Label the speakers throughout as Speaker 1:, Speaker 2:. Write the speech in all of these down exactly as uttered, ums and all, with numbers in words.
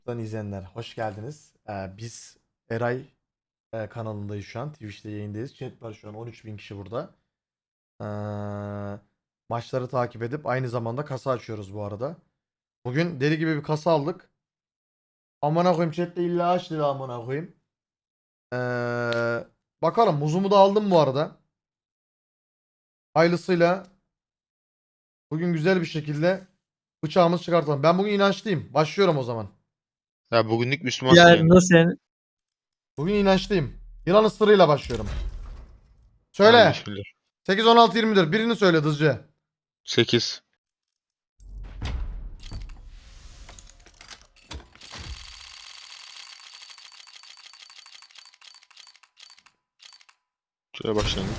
Speaker 1: Buradan izleyenler hoş geldiniz. Ee, biz Eray e, kanalındayız şu an. Twitch'te yayındayız. Chat var şu an on üç bin kişi burada. Ee, maçları takip edip aynı zamanda kasa açıyoruz bu arada. Bugün deli gibi bir kasa aldık. Amına koyayım chatte illa aç dedi amına koyayım. Ee, bakalım muzumu da aldım bu arada. Hayırlısıyla bugün güzel bir şekilde bıçağımızı çıkartalım. Ben bugün inançlıyım. Başlıyorum o zaman.
Speaker 2: Ya bugünlük Müslümansın
Speaker 3: Yani
Speaker 2: yani.
Speaker 3: nasıl yani?
Speaker 1: Bugün inançlıyım. Yılan ısırığıyla başlıyorum.
Speaker 2: Hadi
Speaker 1: Söyle.
Speaker 2: bismillah.
Speaker 1: sekiz, on altı, yirmi dört. Birini söyle hızlıca.
Speaker 2: sekiz. Şöyle başlangıç.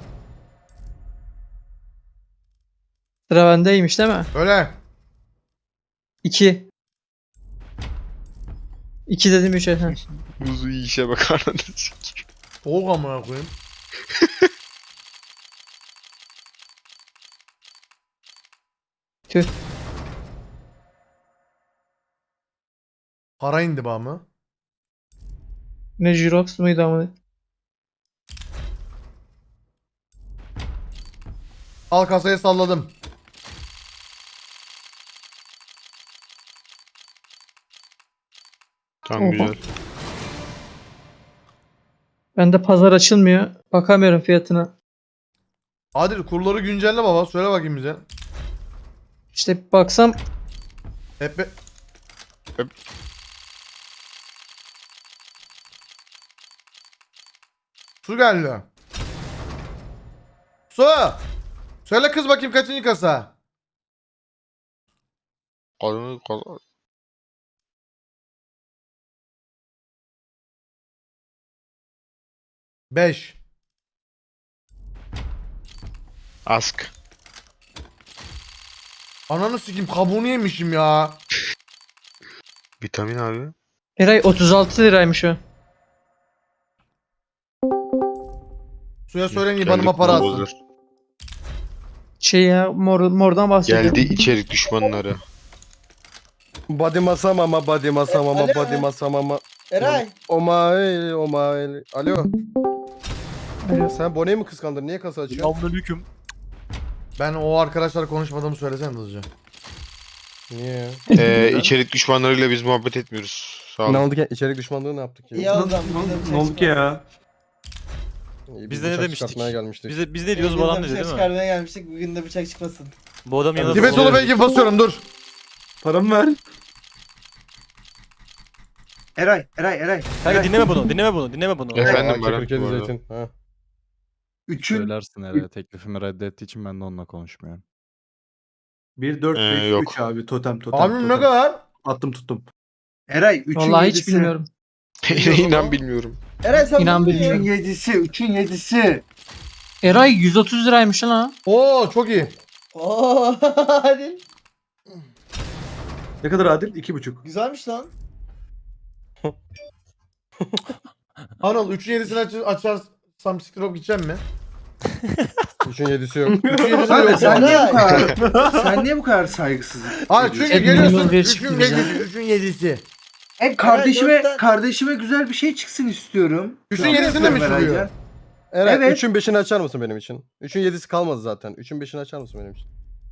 Speaker 3: Sıra bendeymiş değil mi?
Speaker 1: Öyle.
Speaker 3: iki. iki dedim üçe. Ha.
Speaker 2: Muzu iyi işe bakar.
Speaker 1: Soğuk amına koyayım.
Speaker 3: Tüh.
Speaker 1: Para indi bağ mı?
Speaker 3: Ne Jirox muydu ama?
Speaker 1: Al kasayı salladım.
Speaker 2: Tamam
Speaker 3: Oha.
Speaker 2: güzel.
Speaker 3: Bende pazar açılmıyor. Bakamıyorum fiyatına.
Speaker 1: Adil kurları güncelle baba. Söyle bakayım bize.
Speaker 3: İşte bir baksam
Speaker 1: Hep be...
Speaker 2: Hep-
Speaker 1: Su geldi. Su. Söyle kız bakayım kaçıncı kasa?
Speaker 2: Kadını kadın.
Speaker 1: beş.
Speaker 2: Ask.
Speaker 1: Ananı sikeyim kabuğunu yemişim ya.
Speaker 2: Vitamin abi.
Speaker 3: Eray otuz altı liraymış o.
Speaker 1: Suya söyleyin
Speaker 2: Geldi
Speaker 1: ibanıma para atsın.
Speaker 2: bozdur.
Speaker 3: Şey ya mor, mordan bahsediyorum.
Speaker 2: Geldi içerik düşmanları.
Speaker 4: Body masam ama body masam ama
Speaker 5: Alo.
Speaker 4: body masam ama.
Speaker 5: Eray.
Speaker 4: Omael omael. Alo.
Speaker 3: Alo.
Speaker 4: Sen Bone'yi mi kıskandın? Niye kasa açıyorsun?
Speaker 5: Selamünaleyküm.
Speaker 1: Ben o arkadaşlar konuşmadığımı söylesene hızlıca.
Speaker 4: Niye?
Speaker 2: Ee, içerik düşmanlarıyla biz muhabbet etmiyoruz. Sağ
Speaker 4: Ne
Speaker 2: olun.
Speaker 4: oldu ki? İçerik düşmanlığı ne yaptık
Speaker 5: İyi
Speaker 4: ya?
Speaker 5: o zaman.
Speaker 6: Ne oldu ki ya?
Speaker 4: İyi,
Speaker 6: Biz de ne
Speaker 4: bıçak
Speaker 6: demiştik?
Speaker 4: çıkartmaya gelmiştik.
Speaker 6: Biz de, biz ne diyoruz
Speaker 5: Biz
Speaker 6: bu adam
Speaker 5: de
Speaker 6: dedi
Speaker 5: bıçak
Speaker 6: değil mi?
Speaker 5: çıkarmaya gelmiştik. Bugün de bıçak çıkmasın.
Speaker 6: Bu adam yanında
Speaker 1: Tibet Ulu Bey gibi basıyorum dur.
Speaker 6: Paramı ver.
Speaker 5: Eray, Eray, Eray.
Speaker 6: Kanka dinleme bunu, dinleme bunu, dinleme bunu.
Speaker 2: Evet. Efendim
Speaker 4: Aa,
Speaker 2: Baran,
Speaker 4: Kırkedi
Speaker 2: bu arada.
Speaker 4: zeytin. Ha.
Speaker 5: Üçün.
Speaker 7: Söylersin herhalde teklifimi reddettiği için ben de onunla konuşmuyorum.
Speaker 8: bir dört
Speaker 2: Ee,
Speaker 8: beş
Speaker 2: yok.
Speaker 8: üç abi totem totem.
Speaker 1: Abim ne
Speaker 8: totem.
Speaker 1: kadar?
Speaker 8: Attım tuttum.
Speaker 5: Eray, üçün
Speaker 3: Vallahi hiç
Speaker 5: yedisi.
Speaker 3: bilmiyorum.
Speaker 2: İnan bilmiyorum.
Speaker 5: Eray sen
Speaker 3: İnan
Speaker 5: bunu
Speaker 3: bilmiyorum.
Speaker 5: Üçün yedisi, üçün yedisi.
Speaker 3: Eray yüz otuz liraymış lan ha.
Speaker 1: Oo çok iyi.
Speaker 5: Ooo hadi.
Speaker 8: Ne kadar adil? iki buçuk.
Speaker 5: Güzelmiş lan.
Speaker 1: Anıl üçün yedisini aç açarsam siktirop gideceğim mi?
Speaker 4: üçün yedisi yok.
Speaker 1: üçün yedisi
Speaker 5: Abi
Speaker 1: yok.
Speaker 5: sen niye bu
Speaker 8: kadar-
Speaker 5: Sen niye bu kadar saygısızlık?
Speaker 1: Hayır çünkü
Speaker 3: Hep
Speaker 1: geliyorsun
Speaker 3: minimum bir
Speaker 1: üçün
Speaker 3: çıktı bize.
Speaker 1: yedisi. üçün yedisi.
Speaker 5: Hep
Speaker 9: Kardeşime
Speaker 5: kardeşime
Speaker 9: kardeşime güzel bir şey çıksın istiyorum.
Speaker 1: üçün yedisini de mi çıkıyor?
Speaker 4: Eren
Speaker 9: Evet.
Speaker 4: üçün beşini açar mısın benim için? üçün yedisi kalmadı zaten. üçün beşini açar mısın benim için?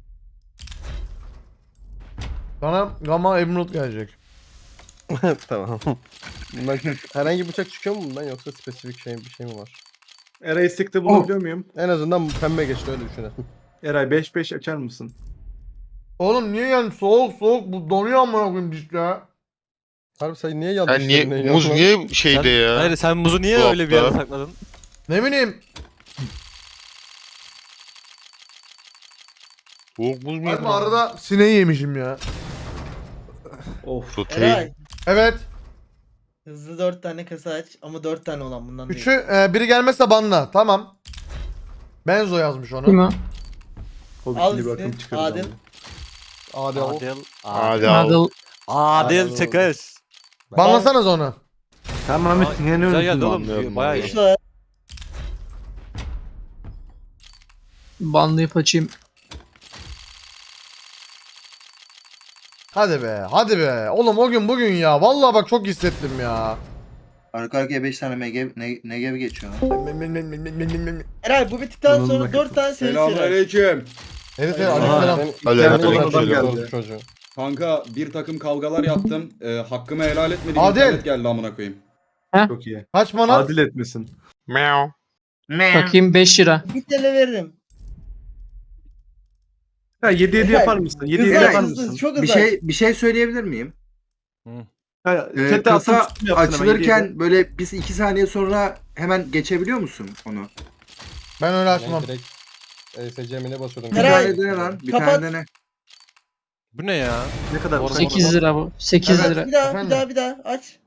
Speaker 1: Sana Gamma Emerald gelecek.
Speaker 4: Tamam. Bundan herhangi bıçak çıkıyor mu bundan yoksa spesifik şey bir şey mi var?
Speaker 8: Eray istekte bulabiliyor muyum?
Speaker 4: En azından pembe geçti öyle düşünelim.
Speaker 8: Eray beş beş açar mısın?
Speaker 1: Oğlum niye yani soğuk soğuk bu donuyor amına koyayım işte.
Speaker 4: Harbi sen niye yanlış
Speaker 2: Sen niye,
Speaker 4: yerine
Speaker 2: muz
Speaker 4: yaptın?
Speaker 2: niye şeyde
Speaker 6: Sen,
Speaker 2: ya?
Speaker 6: hayır sen muzu niye
Speaker 2: Dolapta.
Speaker 6: öyle bir yere sakladın?
Speaker 1: Ne bileyim.
Speaker 2: Soğuk buz mu?
Speaker 1: Harbi arada sineği yemişim ya.
Speaker 8: Of.
Speaker 2: Protein.
Speaker 5: Eray.
Speaker 1: Evet.
Speaker 5: Hızlı dört tane kasa aç ama dört tane olan bundan değil.
Speaker 1: Üçü e, biri gelmezse banla. Tamam. Benzo yazmış onu.
Speaker 3: Kim o?
Speaker 8: O
Speaker 5: Al
Speaker 8: bir
Speaker 5: ismi,
Speaker 8: bakım çıkarız
Speaker 5: Adil.
Speaker 8: abi.
Speaker 4: Adil.
Speaker 6: Adil.
Speaker 2: Hadi al.
Speaker 3: Adil.
Speaker 6: Adil çıkış.
Speaker 1: Banlasanız onu.
Speaker 8: Tamam
Speaker 6: Aa,
Speaker 8: Ahmet yine ne
Speaker 6: Güzel geldi
Speaker 8: unuttum?
Speaker 6: oğlum.
Speaker 2: Anlıyorum,
Speaker 6: Bayağı iyi.
Speaker 2: anlıyorum.
Speaker 5: Üçler.
Speaker 3: Banlayıp açayım.
Speaker 1: Hadi be, hadi be. Oğlum o gün bugün ya. Vallahi bak çok hissettim ya.
Speaker 9: Arka arkaya beş tane Negev, Ne- Negev geçiyor lan.
Speaker 5: Eray bu bittikten
Speaker 8: Bununla
Speaker 5: sonra dört tane seri seri.
Speaker 10: Selamünaleyküm.
Speaker 1: Evet evet
Speaker 8: Aha.
Speaker 1: aleykümselam.
Speaker 2: Aleykümselam.
Speaker 8: Aleykümselam.
Speaker 4: Geldi. Çocuğu.
Speaker 10: Kanka bir takım kavgalar yaptım. Ee, hakkımı helal etmediğim
Speaker 1: Adil.
Speaker 10: internet geldi amına koyayım.
Speaker 8: Çok iyi.
Speaker 1: Kaç mana?
Speaker 8: Adil etmesin.
Speaker 2: Meow.
Speaker 3: Bakayım beş lira.
Speaker 5: Bir T L veririm.
Speaker 8: Ha yedi yedi
Speaker 5: Eray,
Speaker 8: yapar mısın? yedi yedi
Speaker 5: Hızlı
Speaker 8: yapar
Speaker 5: hızlı
Speaker 8: mısın?
Speaker 5: çok hızlı.
Speaker 9: Bir şey bir şey söyleyebilir miyim?
Speaker 8: Ha,
Speaker 9: Ee,
Speaker 8: chat'te
Speaker 9: kasa
Speaker 8: attım, tuttum yapsın hemen, yedi yedi.
Speaker 9: açılırken böyle biz iki saniye sonra hemen geçebiliyor musun onu?
Speaker 1: Ben öyle açmam.
Speaker 4: Ben direkt E S C M'ine basıyordum.
Speaker 9: Bir
Speaker 5: Eray,
Speaker 9: tane dene lan. Bir
Speaker 5: kapat.
Speaker 9: tane dene.
Speaker 6: Bu ne ya?
Speaker 8: Ne kadar?
Speaker 6: Doğru.
Speaker 3: sekiz lira bu. sekiz
Speaker 9: Evet.
Speaker 3: lira.
Speaker 5: Bir daha
Speaker 1: Efendim?
Speaker 5: bir daha bir daha aç.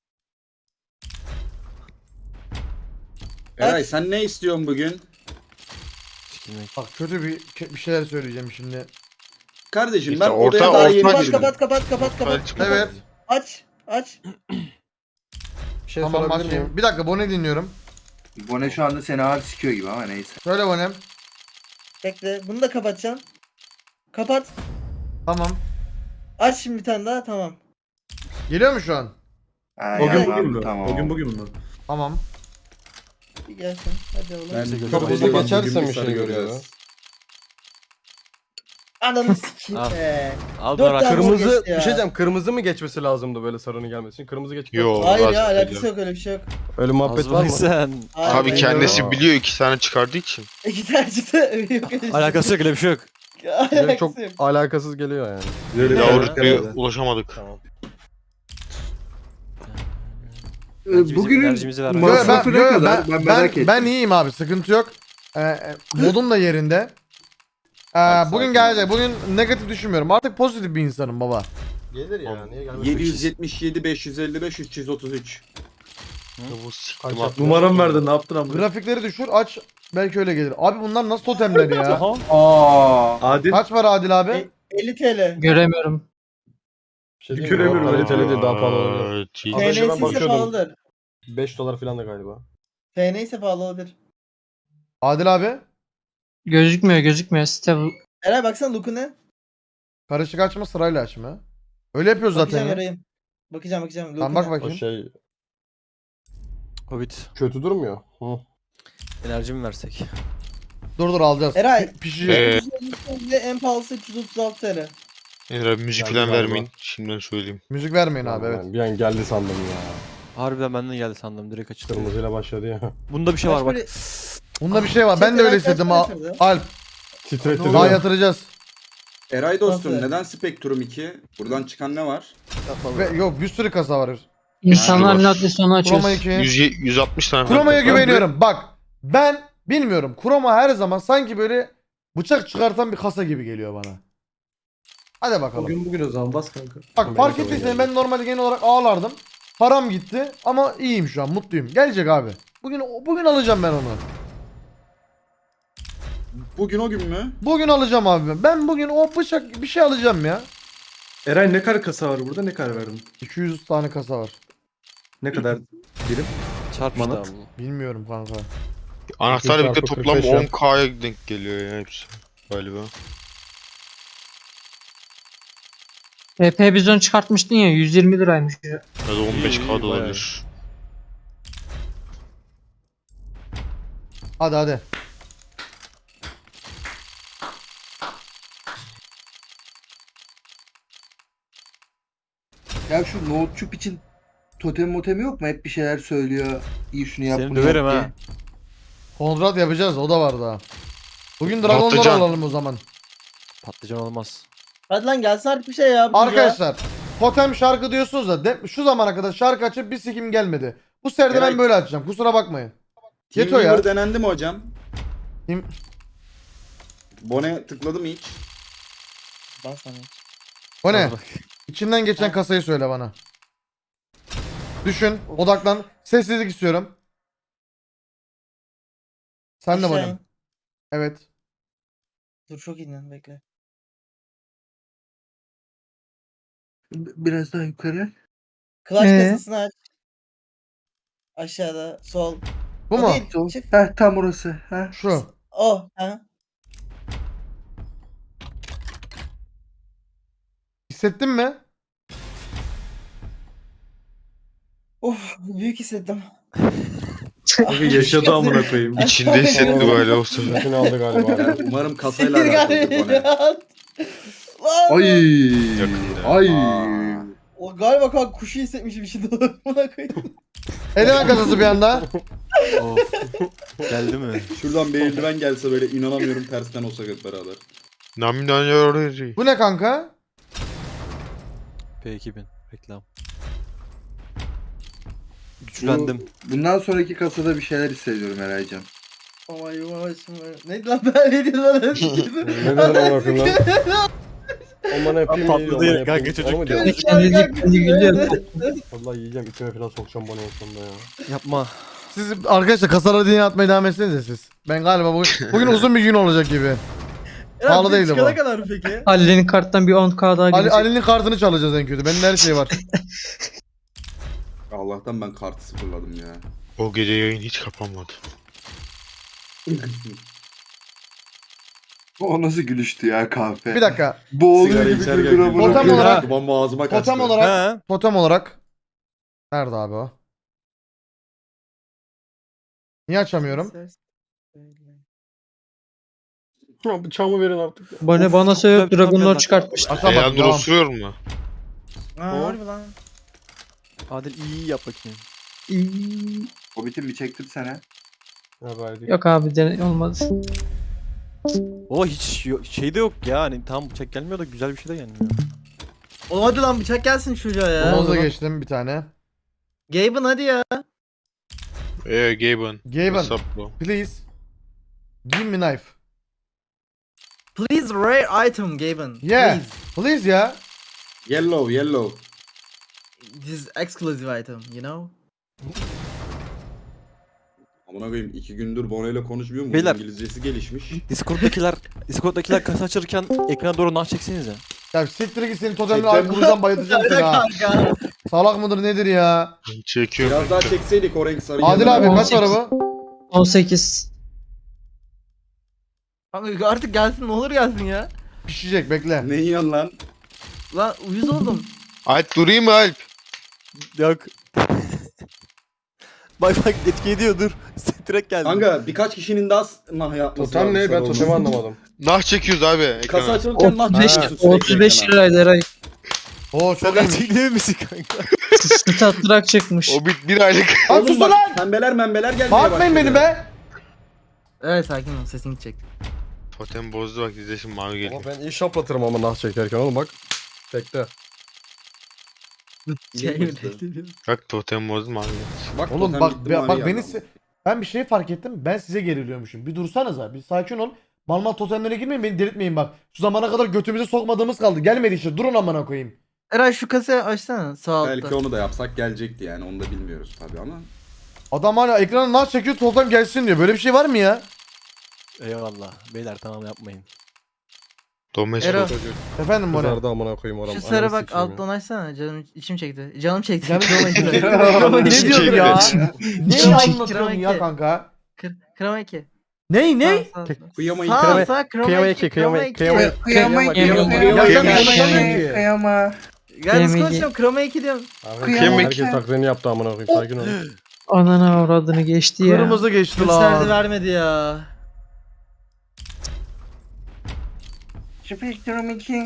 Speaker 10: Eray sen ne istiyorsun bugün?
Speaker 1: Bak kötü bir bir şeyler söyleyeceğim şimdi.
Speaker 10: Kardeşim
Speaker 2: İşte
Speaker 10: ben
Speaker 2: orta-
Speaker 10: odaya daha
Speaker 2: orta
Speaker 10: yeni
Speaker 5: Kapat
Speaker 10: girdim.
Speaker 5: kapat kapat kapat kapat.
Speaker 1: Evet.
Speaker 5: Aç aç.
Speaker 4: Bir şey
Speaker 1: Tamam
Speaker 4: sorabilir
Speaker 1: başlayayım.
Speaker 4: miyim?
Speaker 1: Bir dakika Bone dinliyorum.
Speaker 9: Bone şu anda seni ağır sikiyor gibi ama neyse.
Speaker 1: Söyle Bone'm.
Speaker 5: Bekle bunu da kapatacağım. Kapat.
Speaker 1: Tamam.
Speaker 5: Aç şimdi bir tane daha tamam.
Speaker 1: Geliyor mu şu an?
Speaker 9: Ha,
Speaker 8: O gün
Speaker 9: ya,
Speaker 8: bugün mü?
Speaker 9: Tamam.
Speaker 8: O gün bugün mü?
Speaker 1: Tamam.
Speaker 5: Bir gelsin. Hadi oğlum.
Speaker 10: Ben
Speaker 6: Çok
Speaker 4: Çok hızlı
Speaker 10: Bugün
Speaker 4: geçersen
Speaker 10: bir
Speaker 4: bir
Speaker 10: sarı
Speaker 4: şey görüyor.
Speaker 10: göreceğiz.
Speaker 5: Ananı sikeyim
Speaker 6: Al.
Speaker 5: be.
Speaker 6: Al
Speaker 5: Dört
Speaker 6: bana.
Speaker 5: tane
Speaker 6: Kırmızı.
Speaker 4: Kırmızı
Speaker 5: geçti ya.
Speaker 4: bir şey diyeceğim. Kırmızı mı geçmesi lazımdı böyle sarının gelmesi için? Kırmızı geçti.
Speaker 2: Yo.
Speaker 5: Hayır
Speaker 2: Razı
Speaker 5: ya alakası
Speaker 2: değilim.
Speaker 5: yok öyle bir şey yok.
Speaker 4: Öyle muhabbet var mı?
Speaker 6: sen.
Speaker 5: Hayır,
Speaker 2: Tabii
Speaker 5: hayır.
Speaker 2: kendisi
Speaker 4: Ya.
Speaker 2: biliyor iki tane çıkardığı için.
Speaker 5: İki tane çıktı. Yok öyle bir şey.
Speaker 6: Alakası yok öyle bir şey yok.
Speaker 4: Direkt
Speaker 5: Alakası
Speaker 4: çok
Speaker 5: yok.
Speaker 4: alakasız geliyor yani.
Speaker 8: Öyle
Speaker 2: Daha
Speaker 8: bir-
Speaker 2: rütbeye
Speaker 8: herhalde.
Speaker 2: ulaşamadık.
Speaker 4: Tamam.
Speaker 9: Ee,
Speaker 6: Bence bizim
Speaker 9: Bugünün
Speaker 6: enerjimizi ver.
Speaker 1: Yo,
Speaker 9: masrafı
Speaker 1: ben,
Speaker 9: ne
Speaker 1: yo,
Speaker 9: kadar?
Speaker 1: ben,
Speaker 9: Ben
Speaker 1: ben,
Speaker 9: merak ettim.
Speaker 1: ben iyiyim abi sıkıntı yok. Ee, e, modum da yerinde. Ee,
Speaker 10: Hadi
Speaker 1: bugün
Speaker 10: sakin
Speaker 1: gelecek.
Speaker 10: ol.
Speaker 1: Bugün negatif düşünmüyorum. Artık pozitif bir insanım baba.
Speaker 4: Gelir ya. Niye gelmez?
Speaker 10: yedi yüz yetmiş yedi beş yüz elli beş üç yüz otuz üç.
Speaker 2: Bu
Speaker 4: Kaç
Speaker 2: siktim
Speaker 4: yaptın?
Speaker 2: attım.
Speaker 8: Numaram verdin ne yaptın ama?
Speaker 1: Grafikleri düşür aç. Belki öyle gelir. Abi bunlar nasıl totemler ya?
Speaker 9: Aa.
Speaker 8: Adil.
Speaker 1: Kaç var Adil abi?
Speaker 5: E- elli T L.
Speaker 3: Göremiyorum.
Speaker 4: Bir şey diyeyim mi?
Speaker 8: Göremiyorum,
Speaker 4: Daha
Speaker 8: öyle
Speaker 4: kaliteli değil, daha pahalı olabilir.
Speaker 2: Evet, iyi.
Speaker 4: Az önce ben
Speaker 5: T N'si ise
Speaker 4: bakıyordum.
Speaker 5: pahalıdır.
Speaker 4: beş dolar falan da galiba.
Speaker 5: T N ise pahalı olabilir.
Speaker 1: Adil abi.
Speaker 3: Gözükmüyor gözükmüyor. Site bu.
Speaker 5: Eray baksana Luke'u ne?
Speaker 1: Karışık açma sırayla açma. Öyle yapıyoruz zaten
Speaker 5: Bakacağım
Speaker 1: ya.
Speaker 5: Eray'ım. Bakacağım bakacağım.
Speaker 1: Tamam
Speaker 5: Luke'u
Speaker 1: bak
Speaker 5: ne?
Speaker 4: O
Speaker 1: bakayım.
Speaker 4: şey
Speaker 6: Hobbit.
Speaker 4: kötü durmuyor. Hı.
Speaker 6: Enerji mi versek?
Speaker 1: Dur dur alacağız.
Speaker 5: Eray.
Speaker 1: Pi- Pişecek.
Speaker 2: Ee,
Speaker 5: üç yüz elli ve en pahalısı üç yüz otuz altı T L.
Speaker 2: Eğer müzik
Speaker 4: Geldi
Speaker 2: falan
Speaker 4: galiba.
Speaker 2: vermeyin. Şimdiden söyleyeyim.
Speaker 1: Müzik vermeyin abi evet.
Speaker 4: Ben bir an geldi sandım ya.
Speaker 6: Harbiden benden geldi sandım. Direkt açıldı.
Speaker 4: Kırmızıyla başladı ya.
Speaker 6: Bunda bir şey
Speaker 5: Kaç
Speaker 6: var bak.
Speaker 5: böyle-
Speaker 1: Bunda bir şey var.
Speaker 5: Şey,
Speaker 1: Ben de öyle
Speaker 5: Eray
Speaker 1: istedim.
Speaker 5: kaç
Speaker 1: Al-
Speaker 5: para yatırdı?
Speaker 1: Alp.
Speaker 4: Titretti
Speaker 1: Daha
Speaker 4: değil mi?
Speaker 1: yatıracağız.
Speaker 10: Eray dostum
Speaker 5: Nasıl?
Speaker 10: neden Spectrum iki? Buradan çıkan ne var?
Speaker 1: Ve yok bir sürü kasa var.
Speaker 3: İnsanların
Speaker 2: var.
Speaker 3: adresi onu
Speaker 1: Chroma
Speaker 3: açıyoruz.
Speaker 1: iki.
Speaker 2: yüz, yüz altmış tane falan
Speaker 1: Chroma'ya
Speaker 2: var.
Speaker 1: güveniyorum. Bak ben bilmiyorum. Chroma her zaman sanki böyle bıçak çıkartan bir kasa gibi geliyor bana. Hadi bakalım.
Speaker 8: Bugün bugün o zaman bas kanka.
Speaker 1: Bak fark ettiysen ben normalde genel olarak ağlardım. Param gitti ama iyiyim şu an mutluyum. Gelecek abi. Bugün bugün alacağım ben onu.
Speaker 10: Bugün o gün mü?
Speaker 1: Bugün alacağım abi ben. Ben bugün o bıçak bir şey alacağım ya.
Speaker 8: Eray ne kadar kasa var burada, ne kadar verdin?
Speaker 1: iki yüz tane kasa var.
Speaker 8: Ne kadar birim?
Speaker 6: Çarp işte
Speaker 8: Manat.
Speaker 6: abi.
Speaker 1: Bilmiyorum kanka.
Speaker 2: Anahtar birlikte
Speaker 4: çarpı
Speaker 2: toplam
Speaker 4: kırk beş
Speaker 2: on K'ya denk geliyor ya hepsi. Galiba.
Speaker 3: E P bizon çıkartmıştın ya yüz yirmi liraymış ya.
Speaker 2: Ya da on beş
Speaker 6: İyi, iyi,
Speaker 2: K'da
Speaker 6: bayağı
Speaker 2: olabilir.
Speaker 1: Hadi hadi.
Speaker 9: Ya şu Nohutçuk için totem motemi yok mu? Hep bir şeyler söylüyor. İyi şunu yap
Speaker 6: Seni
Speaker 9: bunu
Speaker 6: döverim
Speaker 9: yap
Speaker 6: ha.
Speaker 9: diye.
Speaker 1: Kontrat yapacağız o da var daha. Bugün Dragon'ları
Speaker 2: Patlıcan.
Speaker 1: alalım o zaman.
Speaker 6: Patlıcan olmaz.
Speaker 5: Hadi lan gelsin artık bir şey ya. bu ya.
Speaker 1: Arkadaşlar totem şarkı diyorsunuz da de- şu zamana kadar şarkı açıp bir sikim gelmedi. Bu serde ben
Speaker 10: Evet.
Speaker 1: böyle açacağım kusura bakmayın.
Speaker 10: Team
Speaker 1: Yeto ya.
Speaker 10: Weaver denendi mi hocam?
Speaker 1: Team-
Speaker 10: Bone tıkladı mı hiç?
Speaker 5: Bas hani.
Speaker 1: O ne?
Speaker 6: Al bak.
Speaker 1: İçinden geçen kasayı söyle bana. Düşün, odaklan. Sessizlik istiyorum. Sen de
Speaker 5: Aşağı
Speaker 1: bana.
Speaker 5: in.
Speaker 1: Evet.
Speaker 5: Dur çok iyi lan bekle.
Speaker 9: B- Biraz daha yukarı.
Speaker 5: Clutch
Speaker 3: Ee?
Speaker 5: kasasını aç. Aşağıda sol.
Speaker 1: Bu
Speaker 5: O
Speaker 1: mu?
Speaker 5: değil,
Speaker 9: Sol.
Speaker 5: çık.
Speaker 9: Heh, tam orası. Heh.
Speaker 1: Şu.
Speaker 5: O. Ha.
Speaker 1: Hissettin mi?
Speaker 5: Of büyük hissettim.
Speaker 8: Kanka yaşadı amına koyayım.
Speaker 2: İçinde hissetti galiba o sefer.
Speaker 4: Bütün aldı galiba. ya.
Speaker 10: Umarım kasayla alakalıdır bu ne.
Speaker 5: Lan.
Speaker 9: Ay.
Speaker 2: Yakında.
Speaker 9: Ay.
Speaker 5: O galiba kanka kuşu hissetmişim şimdi. Buna koydum.
Speaker 1: Eleman kasası bir anda.
Speaker 6: Of. Geldi mi?
Speaker 10: Şuradan bir eldiven gelse böyle inanamıyorum tersten olsak hep beraber.
Speaker 2: Nami nani
Speaker 1: Bu ne kanka?
Speaker 6: P iki bin reklam. Güçlendim.
Speaker 9: Bundan sonraki kasada bir şeyler hissediyorum Eraycan.
Speaker 5: Ama yavaşım. Neydi lan ben ne diyordum bana?
Speaker 4: Ne dedin amına koyayım lan? O bana yapayım
Speaker 6: Tatlı
Speaker 4: iyi, o
Speaker 6: değil
Speaker 4: bana
Speaker 6: kanka,
Speaker 4: yapayım.
Speaker 6: çocuk
Speaker 4: Onu mu diyorsun?
Speaker 3: Kendi kendi gülüyor.
Speaker 4: Vallahi yiyeceğim içime falan sokacağım bana en sonunda ya.
Speaker 6: Yapma.
Speaker 1: Siz arkadaşlar kasaları diye atmaya devam etsenize siz. Ben galiba bugün, bugün uzun bir gün olacak gibi. Pahalı değildi bu.
Speaker 5: Çıkana kadar mı peki?
Speaker 3: Ali'nin karttan bir on k daha
Speaker 1: Ali,
Speaker 3: gelecek.
Speaker 1: Ali'nin kartını çalacağız en kötü. Benim her şey var.
Speaker 10: Allah'tan ben kartı sıfırladım ya.
Speaker 2: O gece yayın hiç kapanmadı.
Speaker 9: O nasıl gülüştü ya kahve.
Speaker 1: Bir dakika.
Speaker 9: Boğuluyor
Speaker 10: Sigara
Speaker 9: gibi
Speaker 10: içerken
Speaker 9: güldür amına
Speaker 1: Totem
Speaker 9: koyayım.
Speaker 1: olarak-
Speaker 10: Bomba ağzıma kaçtı.
Speaker 1: Totem olarak,
Speaker 6: He.
Speaker 1: totem olarak. Nerede abi o? Niye açamıyorum?
Speaker 4: Ya bıçağımı verin artık.
Speaker 3: Bana bana
Speaker 6: Çok
Speaker 3: söyleyip
Speaker 6: güzel bir
Speaker 3: Dragon
Speaker 6: tablet
Speaker 3: Lord
Speaker 6: var.
Speaker 3: çıkartmış.
Speaker 1: Açamadım.
Speaker 2: Leandro
Speaker 1: Tamam.
Speaker 2: osuruyor mu?
Speaker 5: Aa harbi lan.
Speaker 6: Adil iyi yap bakayım.
Speaker 9: Hobbit'im bir çektim sana.
Speaker 4: Ya verdik.
Speaker 3: Yok abi dene olmaz.
Speaker 6: O hiç yo- şey de yok ya. Hani tam bıçak gelmiyor da güzel bir şey de gelmiyor.
Speaker 5: Oğlum hadi lan bıçak gelsin çocuğa ya.
Speaker 1: Monoza geçtim bir tane.
Speaker 5: Gaben hadi ya.
Speaker 2: Eee Gaben.
Speaker 1: Gaben,
Speaker 2: What's up bro?
Speaker 1: please. Give me knife.
Speaker 5: Please rare item Gaben.
Speaker 1: Yeah.
Speaker 5: Please.
Speaker 1: Please ya.
Speaker 10: Yellow yellow.
Speaker 5: This exclusive item, you know?
Speaker 10: Amına koyayım iki gündür Bono ile konuşmuyor mu?
Speaker 6: Beyler.
Speaker 10: İngilizcesi gelişmiş.
Speaker 6: Discord'dakiler Discord'dakiler kasa açırken ekrana doğru nah çeksenize.
Speaker 1: Ya siktir git senin totemle
Speaker 10: Çektim.
Speaker 1: arkamızdan bayılacağım seni ha.
Speaker 5: Kanka.
Speaker 1: Salak mıdır nedir ya?
Speaker 2: Çekiyorum.
Speaker 10: Biraz daha çekseydik o renk sarı.
Speaker 1: Adil
Speaker 10: yanına.
Speaker 1: abi kaç para bu?
Speaker 3: on sekiz.
Speaker 5: Kanka artık gelsin ne olur gelsin ya.
Speaker 1: Pişecek bekle.
Speaker 10: Ne yiyorsun lan?
Speaker 5: Lan uyuz oldum.
Speaker 2: Alp durayım mı Alp?
Speaker 6: Yok. bak bak etki ediyor dur. Direkt geldi.
Speaker 10: Kanka birkaç kişinin daha s- nah yapması
Speaker 4: Totem
Speaker 10: lazım
Speaker 4: ne?
Speaker 10: sarı
Speaker 4: Ben
Speaker 10: olması.
Speaker 4: totemi anlamadım.
Speaker 2: Nah çekiyoruz abi ekrana.
Speaker 10: Kasa açılırken nah
Speaker 3: otuz beş,
Speaker 10: çekiyorsun sürekli
Speaker 3: otuz beş
Speaker 10: ekrana.
Speaker 3: liraydı Eray.
Speaker 1: Oo çok
Speaker 6: Çok
Speaker 1: iyiymiş.
Speaker 6: gerçek değil misin kanka?
Speaker 3: Statrak çıkmış.
Speaker 2: O bir, bir aylık.
Speaker 1: Lan
Speaker 10: Oğlum
Speaker 1: sus
Speaker 10: bak,
Speaker 1: lan!
Speaker 10: Pembeler membeler gelmeye
Speaker 1: Bağırtmayın
Speaker 10: başladı.
Speaker 1: beni be!
Speaker 5: Evet sakin ol sesin gidecek.
Speaker 2: Totem bozdu bak izle şimdi mavi geliyor.
Speaker 4: Ama ben iyi şaplatırım ama nah çekerken oğlum bak. Bekle.
Speaker 5: Şey
Speaker 10: mi
Speaker 5: mi
Speaker 10: işte?
Speaker 2: Bak totem bozdu mavi geldi.
Speaker 10: Bak,
Speaker 1: Oğlum
Speaker 10: totem
Speaker 1: bak
Speaker 10: gitti,
Speaker 1: be-
Speaker 10: mavi
Speaker 1: bak
Speaker 10: geldi
Speaker 1: beni
Speaker 10: ama.
Speaker 1: se- ben bir şey fark ettim. Ben size geriliyormuşum. Bir dursanıza. Bir sakin ol. Mal mal totemlere girmeyin beni delirtmeyin bak. Şu zamana kadar götümüze sokmadığımız kaldı. Gelmedi işte. Durun amına koyayım.
Speaker 5: Eray şu kasayı açsana sağ altta.
Speaker 10: Belki onu da yapsak gelecekti yani onu da bilmiyoruz tabii ama.
Speaker 1: Adam hala ekrana nasıl çekiyor totem gelsin diyor. Böyle bir şey var mı ya?
Speaker 6: Eyvallah. Beyler tamam yapmayın.
Speaker 2: Domestik.
Speaker 5: Ero.
Speaker 1: Efendim Bora.
Speaker 4: Kızardı amına koyayım oram.
Speaker 5: Şu sarı
Speaker 4: Ananı
Speaker 5: bak
Speaker 4: sikeyim ya.
Speaker 5: alttan açsana canım içim çekti. Canım çekti.
Speaker 1: Canım
Speaker 5: Kroma iki.
Speaker 1: çekti.
Speaker 5: Kroma
Speaker 1: ne
Speaker 5: iki.
Speaker 1: diyorsun ya? ne
Speaker 5: Kroma iki,
Speaker 1: anlatıyorsun
Speaker 5: kroma
Speaker 1: ya
Speaker 5: iki.
Speaker 1: kanka?
Speaker 5: Kır- Kroma iki.
Speaker 1: Ney ney?
Speaker 5: Sağ, sağ,
Speaker 10: Kıyama
Speaker 5: sağ.
Speaker 4: Kıyama-
Speaker 5: Sağ sağ kroma
Speaker 4: kıyama
Speaker 5: iki.
Speaker 4: iki, kıyama
Speaker 5: Kroma
Speaker 4: iki,
Speaker 5: iki.
Speaker 4: kıyama iki.
Speaker 9: Kıyama
Speaker 3: Kıyama-
Speaker 9: kıyama
Speaker 3: Kıyama-
Speaker 9: kıyama
Speaker 1: Kıyama-
Speaker 9: kıyama.
Speaker 5: Ya nasıl
Speaker 1: Kıyama-
Speaker 5: konuşuyorum kroma iki diyorum.
Speaker 9: Kıyama-
Speaker 4: Herkes taklidini yaptı amına koyayım. Sakin ol.
Speaker 3: Ananı avradını geçti ya.
Speaker 1: Kırmızı geçti
Speaker 5: Gösterdi
Speaker 1: lan.
Speaker 5: vermedi ya.
Speaker 9: Spektrum iki.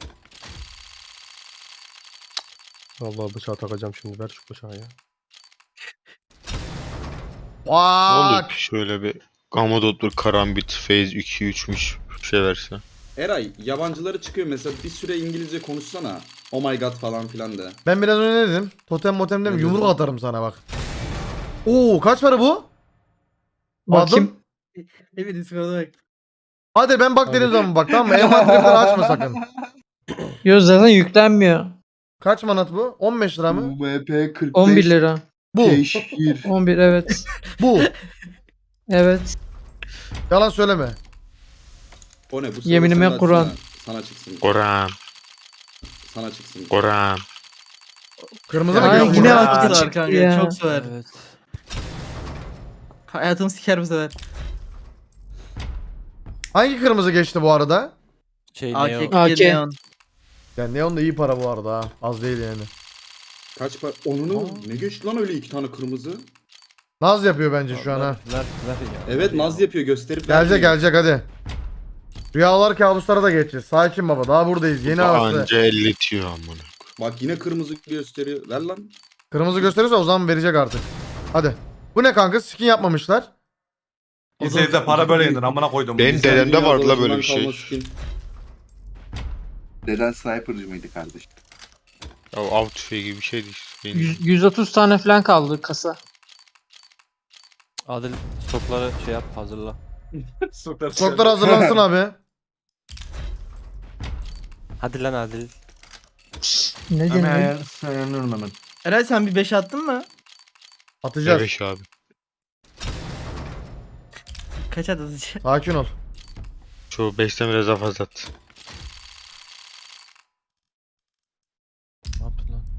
Speaker 4: Allah bıçağı takacağım şimdi. Ver şu bıçağı ya.
Speaker 2: Ne oldu?
Speaker 1: Bak.
Speaker 2: Şöyle bir Gamadot'dur, Karambit, Phase iki üçmüş bir şey verse.
Speaker 10: Eray yabancıları çıkıyor mesela bir süre İngilizce konuşsana. Oh my god falan filan de.
Speaker 1: Ben biraz önce ne dedim? Totem motem dedim.
Speaker 10: Ne
Speaker 1: Yumruk
Speaker 10: dedin?
Speaker 1: atarım sana bak. Oo kaç para bu?
Speaker 3: Bakayım.
Speaker 1: Adım.
Speaker 5: Evet Discord'a bak.
Speaker 1: Hadi ben bak dediğim zaman bak tamam mı? Envanteri falan açma sakın.
Speaker 3: Yok zaten yüklenmiyor.
Speaker 1: Kaç manat bu? on beş lira mı?
Speaker 9: M P kırk beş.
Speaker 3: on bir lira.
Speaker 1: Bu.
Speaker 9: Teşhir.
Speaker 3: on bir evet.
Speaker 1: Bu.
Speaker 3: Evet.
Speaker 1: Yalan söyleme.
Speaker 10: O ne bu?
Speaker 3: Yeminime
Speaker 10: sırada
Speaker 3: Kur'an.
Speaker 10: Sana, sana çıksın.
Speaker 2: Koran,
Speaker 10: Sana çıksın.
Speaker 2: Koran.
Speaker 1: Kırmızı mı
Speaker 3: Ay,
Speaker 1: geliyor?
Speaker 3: yine
Speaker 1: bu?
Speaker 3: attı.
Speaker 5: Çok sever
Speaker 3: çıktı
Speaker 5: kanka
Speaker 3: ya.
Speaker 5: çok sever.
Speaker 6: Evet.
Speaker 5: Hayatımı siker bu sefer.
Speaker 1: Hangi kırmızı geçti bu arada?
Speaker 6: Şey
Speaker 5: A
Speaker 6: ne
Speaker 5: K
Speaker 6: o?
Speaker 3: A K.
Speaker 5: kırk yedi neon.
Speaker 1: Yani Neon da iyi para bu arada ha. Az değil yani.
Speaker 10: Kaç para? Onunu ne geçti lan öyle iki tane kırmızı?
Speaker 1: Naz yapıyor bence şu an ha.
Speaker 6: Ver, ver ya.
Speaker 10: Evet
Speaker 6: ver
Speaker 10: naz
Speaker 6: ya.
Speaker 10: yapıyor gösterip
Speaker 1: Gelecek
Speaker 10: vermiyor.
Speaker 1: gelecek hadi. Rüyalar kabuslara da geçeceğiz. Sakin baba daha buradayız. Yeni havası.
Speaker 2: Anca elletiyor amına.
Speaker 10: Bak yine kırmızı gösteriyor. Ver lan.
Speaker 1: Kırmızı gösterirse o zaman verecek artık. Hadi. Bu ne kanka? Skin yapmamışlar.
Speaker 8: Lisede para böyle yedin amına koydum.
Speaker 2: Ben
Speaker 10: Sen
Speaker 2: dedemde
Speaker 10: dünya
Speaker 2: vardı la böyle
Speaker 10: savaşından
Speaker 2: bir şey.
Speaker 10: kalma skin.
Speaker 9: Deden sniper'cı mıydı kardeşim?
Speaker 2: Ya av tüfeği gibi bir şeydi işte. Benim-
Speaker 3: yüz- 130 tane falan kaldı kasa.
Speaker 6: Adil stokları şey yap hazırla.
Speaker 1: Stoklar hazırlansın abi.
Speaker 6: Hadi lan Adil.
Speaker 3: Ne
Speaker 8: Hemen
Speaker 3: deniyor?
Speaker 8: ayar, ayarlıyorum hemen.
Speaker 5: Eray sen bir beş attın mı?
Speaker 1: Atacağız.
Speaker 2: Evet abi.
Speaker 5: Kaç atacağım?
Speaker 1: Sakin ol.
Speaker 2: Çoğu beşten biraz daha fazla attı.
Speaker 6: Ne yaptın lan?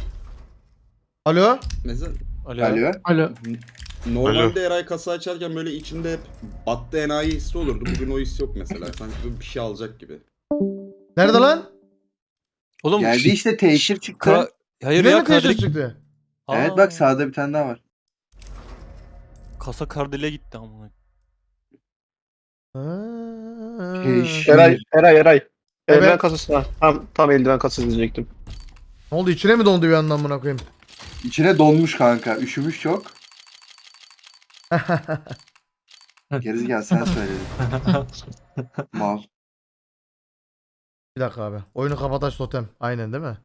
Speaker 1: Alo.
Speaker 10: Mesela
Speaker 6: Alo.
Speaker 9: Alo.
Speaker 3: Alo.
Speaker 10: normalde Eray kasa açarken böyle içinde hep battı enayi hissi olurdu. Bugün o his yok mesela. Sanki böyle bir şey alacak gibi.
Speaker 1: Nerede lan?
Speaker 6: Oğlum
Speaker 9: Geldi işte teşhir çıktı.
Speaker 6: Ka- Hayır
Speaker 1: Yine
Speaker 6: ya
Speaker 1: mi teşhis
Speaker 6: kardelik.
Speaker 1: çıktı?
Speaker 9: Evet bak sağda bir tane daha var.
Speaker 6: Kasa kardile gitti amına.
Speaker 1: Ha.
Speaker 9: Teşhir.
Speaker 11: Eray, Eray, Eray.
Speaker 1: Evet.
Speaker 11: Eldiven kasası. Ha, tam, tam eldiven kasası diyecektim.
Speaker 1: Ne oldu içine mi dondu bir yandan buna koyayım?
Speaker 9: İçine donmuş kanka. Üşümüş çok. Gerizekalı sen söyledin. Mal.
Speaker 1: Bir dakika abi. Oyunu kapataç totem. Aynen değil mi?